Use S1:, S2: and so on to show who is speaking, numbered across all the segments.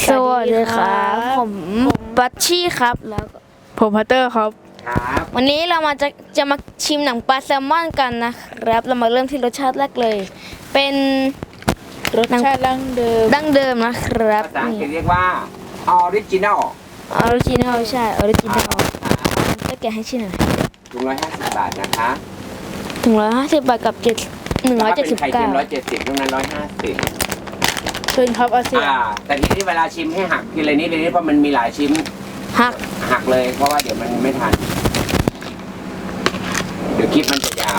S1: สวัสดีครับผมบัชชี่ครับแล้วก็
S2: ผมพัตเตอร์ครับ
S3: ครับ
S1: วันนี้เราจะมาชิมหนังปลาแซลมอนกันนะครับ เรามาเริ่มที่รสชาติแรกเลย เป็น
S2: รสชาติดั้งเดิม
S1: ดั้งเดิมนะครับ
S3: ภาษาอังกฤษ
S1: นี่
S3: เรียกว่า original
S1: ออริจินัลใช่ออริจินัลก็แกะให้ชิมหน่อย
S3: ถุง150 บาทนะคะ
S1: ถึง150 บาทกับ
S3: 179
S1: 179
S3: 170ตรงนั้น150
S2: เชิญครับอาเซียน
S3: แต่ทีนี้เวลาชิมให้หักทีละนิดเลยเพราะมันมีหลายชิ้น
S1: หัก
S3: เลยเพราะว่าเดี๋ยวมันไม่ทัน เดี๋ยวคลิปมันจะยาว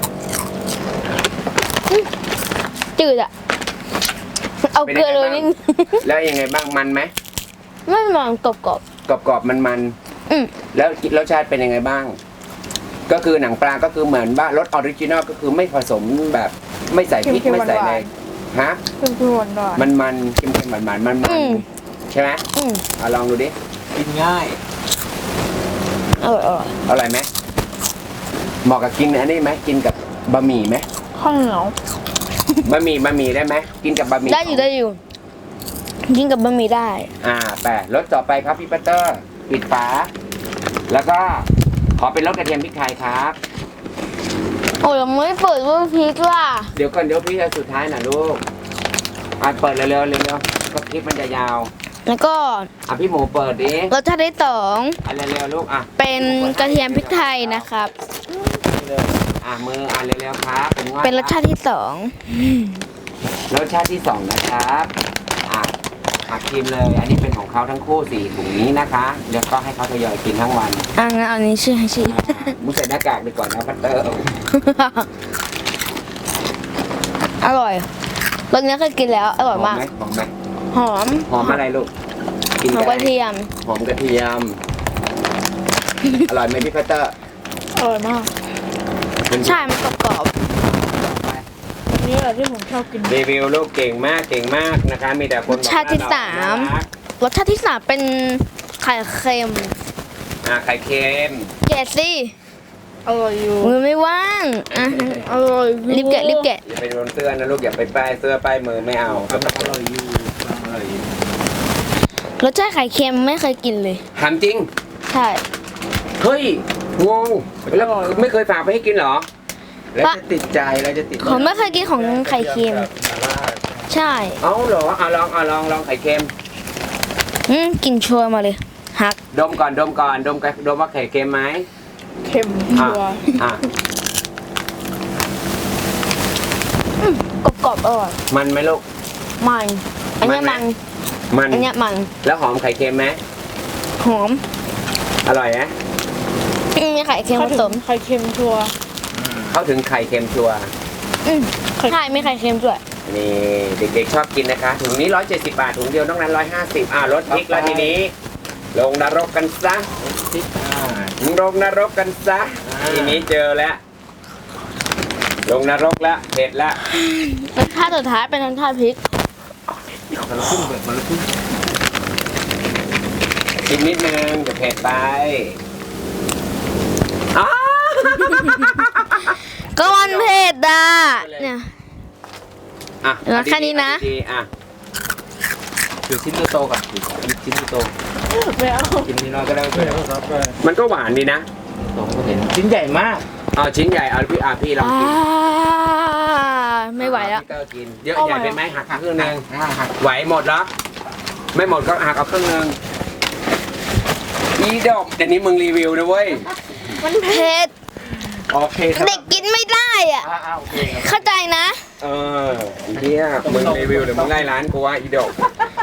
S1: จืดอ่ะ เอาเกลือเลยนิด
S3: แล้วยังไงบ้างมันไหม
S1: ไม่มองกรอบ
S3: กรอบๆมัน
S1: ๆอืม
S3: แล้วรสชาติเป็นยังไงบ้าง ก็คือหนังปลาก็คือเหมือนว่ารสออริจินอลก็คือไม่ผสมแบบไม่ใส่พริกไม่ใส่อะไรฮะ
S2: เพิ่มหวานหวาน
S3: มันเค็มๆหวานๆมันใช่ไหม
S1: อืม
S3: ลองดูดิกินง่าย
S1: อร่อย
S3: อร่อยไหมเหมาะกับกินอันนี้ไหมกินกับบะหมี่ไหม
S2: ข้าวเหนียว
S3: บะหมี่ได้ไหมกินกับบะหมี่
S1: ได้อยู่กินกับบะหมี่ได้
S3: แต่รสต่อไปครับพี่ปัตเตอร์ปิดฝาแล้วก็ขอเป็นรสกระเทียมพริกไทยครับ
S1: โอ้ยยังไม่เปิดว่าพริกล่ะ
S3: เดี๋ยวก่อนเดี๋ยวพี่จะสุดท้ายนะลูกเปิดเร็วๆก็คลิปมันจะยาว
S1: แล้วก็
S3: พี่หมูเปิดดิ
S1: รสชาติที่สอง
S3: เร็วๆลูก
S1: เป็นกระเทียมพริกไทยนะครับ
S3: มือเร็วๆครับ
S1: เป็นรสชาติที่สอง
S3: รสชาติที่สองนะครับหักกินเลย อันนี้เป็นของเขาทั้งคู่4ถุงนี้นะคะแล้วก็ให้เขาทยอยกินทั้งวัน
S1: งั้นเอานี้ชื่อให้ชิม
S3: มุใส่หน้ากากไปก่อนนะพัตเตอร์
S1: อร่อยรสนี้เคยกินแล้วอร่อยมาก
S3: หอมไหม
S1: หอม
S3: หอมอะไรลูกกิน
S1: หอมกระเทียม
S3: หอมกระเทียม อร่อยไหมพี่พัตเตอร์
S2: อร่อยมาก
S1: ใช่มันกรอบ
S2: อันนี้แหละที่ผมชอบกิน
S3: รีวิวลูกเก่งมากนะคะ มีแต่คนบอก
S1: รสชาติที่สาม รสชาติที่สามเป็นไข่เค็ม
S3: ไข่เค็ม
S1: แกะสิ
S2: อร่อยอยู่
S1: มือไม่ว่างอ่ะ
S2: อร่อย
S1: รีบแกะ
S3: อย่าไปโดนเสื้อนะลูกอย่าไปป้ายเสื้อป้ายมือไม่เอาอร่อยอยู่
S1: รสชาติไข่เค็มไม่เคยกินเลย
S3: ถามจริง
S1: ใช่
S3: เฮ้ยงงแล้วไม่เคยฝากไปให้กินเหรอ แล้วจะติดใจแล้วจะติด
S1: ผมไม่เคยกินของไข่เค็ม ใช่
S3: เอาเหรอลองไข่เค็ม
S1: กินชัวร์มาเลยหัก
S3: ดมก่อนดมว่าไข่เค็มไหม
S2: เค็มชัวร์
S1: กรอบๆอร่อย
S3: มันไหมลูก
S1: มันอันเนี้ย
S3: มั
S1: มัน นอันเนี้ยมัน
S3: แล้วหอมไข่เค็มไหม
S1: หอม
S3: อร่อยนะ
S1: มีไข่เค็มผสม
S2: ไข่เค็มชัวร์
S3: เข้าถึงไข่เค็มชัวร์
S1: ใช่มีไข่เค็มด้วย
S3: นี่เด็กๆชอบกินนะคะถุงนี้170 บาทถุงเดียวต้องนั้น150ลดพริกแล้วทีนี้ ลงนรกกันซะลงนรกกันซะทีนี้เจอแล้วลงนรกแล้วเผ็ดแล้ว
S1: รสชาติสุดท้ายเป็นรสชาติพริก
S3: กินนิดนึงจะเผ็ดไปอ้า
S1: ก็มันเผ็ดอ่ะเนี่ย แล้วแค่นี้นะ
S3: ถือชิ้นโตๆก่อนชิ้นโต
S2: ไม่เอา
S3: ชิ้นนี้น้อยก็ได้มันก็หวานดีนะชิ้นใหญ่มากชิ้นใหญ่เอาพี่ลองกิน
S1: ไม่ไหวแล้ว
S3: พี่เตอร์กินเยอะใหญ่เป็นไหมหักครึ่งนึงไหวหมดแล้วไม่หมดก็หักเอาครึ่งนึงอีดอกเดี๋ยวนี้มึงรีวิวนะเว้ย
S1: มันเผ็ด
S3: โอเคครับ
S1: เด็กกินไม่ได้อ่ะ
S3: โอเคครับ
S1: เข้าใจนะ
S3: เฮียมึงรีวิวเดี๋ยวมึงไล่ร้านกูว่าอีดอก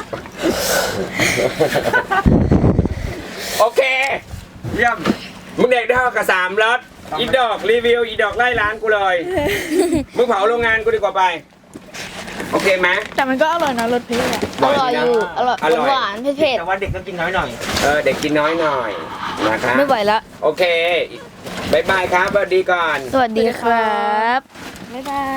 S3: โอเคเยี่ยมมึงเด็กได้เท่ากับ3รสอีดอกรีวิวอีดอกไล่ร้านกูเลยมึงเผาโรงงานกูดีกว่าไปโอเคไหม
S2: แต่มันก็อร่อยนะรสพริกอ่ะ
S1: อร่อยอยู่ อร่อยหวานเผ็ด
S3: แต่ว่าเด็กก็กินน้อยหน่อยเด็กกินน้อยหน่อยนะคะ
S1: ไม่ไหวแล้ว
S3: โอเคบายบายครับสวัสดีก่อน
S1: สวัสดีครับ
S2: บ๊ายบาย